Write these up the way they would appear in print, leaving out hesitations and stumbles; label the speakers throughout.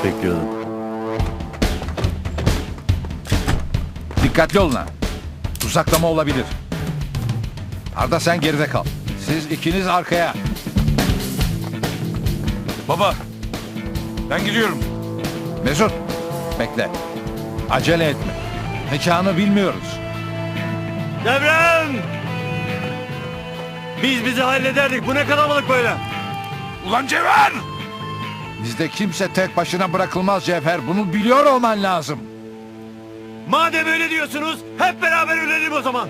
Speaker 1: bekliyordum.
Speaker 2: Dikkatli olun ha. Tuzaklama olabilir. Arda sen geride kal. Siz ikiniz arkaya.
Speaker 3: Baba, ben gidiyorum.
Speaker 2: Mesut bekle. Acele etme. Mekanı bilmiyoruz.
Speaker 4: Devrem! Biz bizi hallederdik. Bu ne kalabalık böyle?
Speaker 3: Ulan Cevher!
Speaker 2: Bizde kimse tek başına bırakılmaz Cevher. Bunu biliyor olman lazım.
Speaker 4: Madem öyle diyorsunuz, hep beraber ölelim o zaman.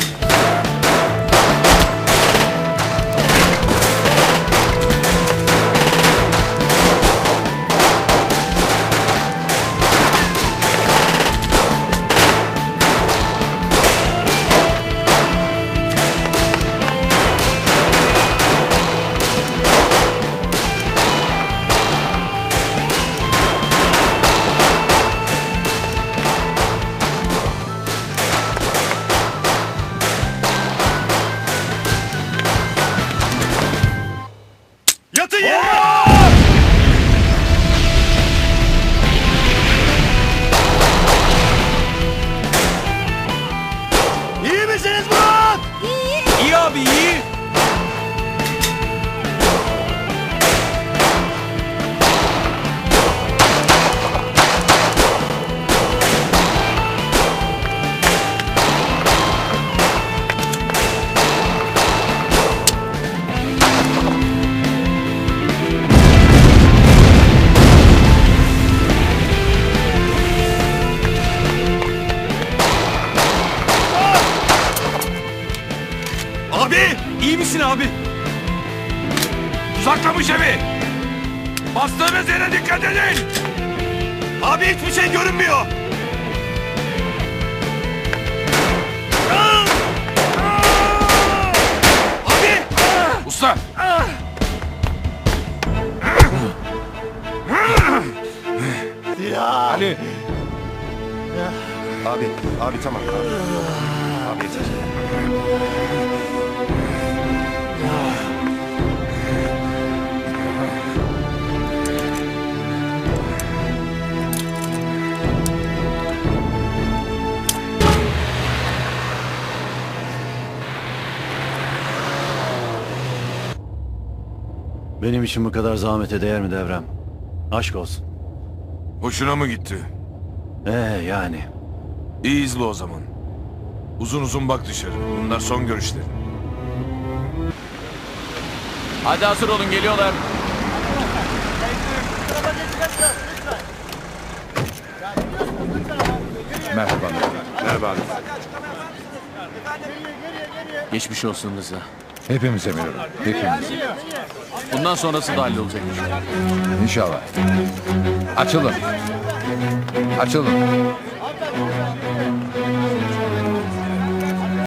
Speaker 4: Yatın yere! İyi misiniz Murat?
Speaker 3: İyi abi, iyi.
Speaker 4: Abi! İyi misin abi?
Speaker 3: Tuzaklamış evi. Bastığınız yere dikkat edin.
Speaker 4: Abi hiçbir şey görünmüyor. Abi!
Speaker 3: Usta,
Speaker 2: Ali.
Speaker 5: Abi tamam. Abi yeter.
Speaker 1: Benim için bu kadar zahmete değer mi Devrem? Aşk olsun.
Speaker 3: hoşuna mı gitti?
Speaker 1: Yani.
Speaker 3: İyi izle o zaman. Uzun uzun bak dışarı. Bunlar son görüşleri.
Speaker 6: Hadi hazır olun, geliyorlar.
Speaker 2: Merhaba.
Speaker 5: Merhaba abi.
Speaker 6: Geçmiş olsun Rıza.
Speaker 2: Hepimiz emiyorum. Hepimiz.
Speaker 6: Bundan sonrası da hallolacak.
Speaker 2: İnşallah. Açılın. Açılın.